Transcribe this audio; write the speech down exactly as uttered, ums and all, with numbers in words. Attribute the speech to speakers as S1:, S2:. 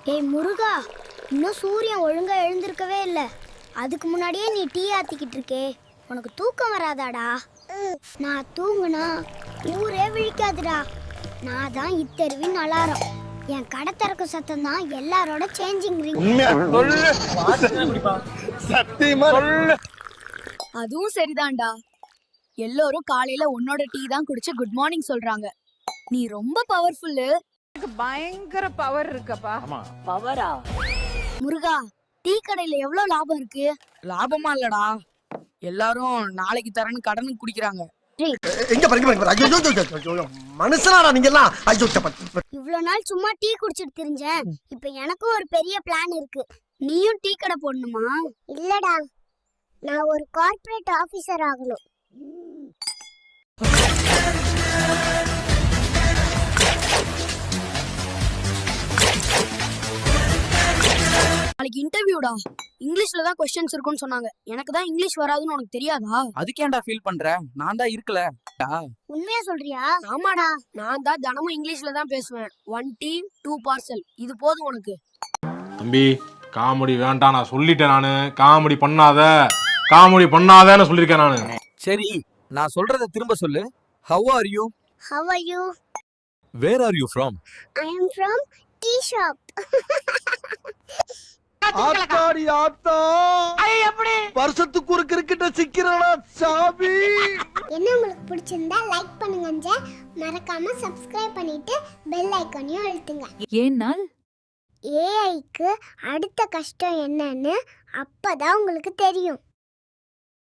S1: ஏய் முருகா, இன்னும் சூரியன் ஒழுங்கா எழுந்திருக்கவே இல்லை. அதுக்கு முன்னாடியே நீ டீ ஆத்திக்கிட்டு இருக்கே, உனக்கு தூக்கம் வராதாடா? நான் தூங்குனா ஊரே விழிக்காதுடா. நான் தான் இத்தருவின் அலாரம். என் கடை திறக்கும் சத்தம் தான் எல்லாரோட சேஞ்சிங் ரிங்.
S2: அதுவும் சரிதான்டா. எல்லாரும் காலையில உன்னோட டீ தான் குடிச்சு குட் மார்னிங் சொல்றாங்க. நீ ரொம்ப பவர்ஃபுல்லு.
S3: பயங்கர பவர் இருக்கப்பா.
S2: பவரா? முருகா, டீ கடையில எவ்வளவு லாபம் இருக்கு?
S4: லாபமா இல்லடா, எல்லாரும் நாளைக்கு தரேன்னு கடனுக்கு குடிக்கிறாங்க.
S5: எங்க பாருங்க, ஐயோ மனுஷனாடா நீங்க எல்லாம். ஐயோ
S1: இவ்வளவு நாள் சும்மா டீ குடிச்சிட்டு தெரிஞ்சேன். இப்ப எனக்கும் ஒரு பெரிய பிளான் இருக்கு. நீயும் டீ கடை போடணுமா? இல்லடா, நான் ஒரு கார்ப்பரேட் ஆபீசர் ஆகணும்.
S2: நாளைக்கு இன்டர்வியூடா. இங்கிலீஷ்ல தான் क्वेश्चंस இருக்குன்னு சொன்னாங்க. எனக்கு தான் இங்கிலீஷ் வராதுன்னு உனக்கு தெரியாதா?
S4: அதுக்கு ஏன்டா ஃபீல் பண்ற? நான் தான் இருக்கல.
S1: உண்மையா சொல்றியா?
S2: ஆமாடா, நான் தான் தினமும் இங்கிலீஷ்ல தான் பேசுவேன். ஒன் டீ டூ பார்சல், இது போதும் உனக்கு.
S6: தம்பி, காமெடி வேண்டாம், நான் சொல்லிட்டேன். நானு காமெடி பண்ணாத, காமெடி பண்ணாதேன்னு சொல்லியிருக்கேன் நானு.
S7: சரி, நான் சொல்றத திரும்ப சொல்லு. How are you?
S1: How are you?
S7: Where are you from?
S1: I am from tea shop.
S5: ஆத்தாடி ஆத்தா, வருஷத்துக்கு ஒரு கிரிக்கெட்ட சிக்கிறடா சாமி.
S1: என்ன உங்களுக்கு பிடிச்சிருந்தா லைக் பண்ணுங்க, மறக்காம சப்ஸ்கிரைப் பண்ணிட்டு பெல் ஐகானையும் அழுத்துங்க.
S2: ஏன்னால்
S1: ஏஐக்கு அடுத்த கஷ்டம் என்னன்னு அப்பதான் உங்களுக்கு தெரியும்.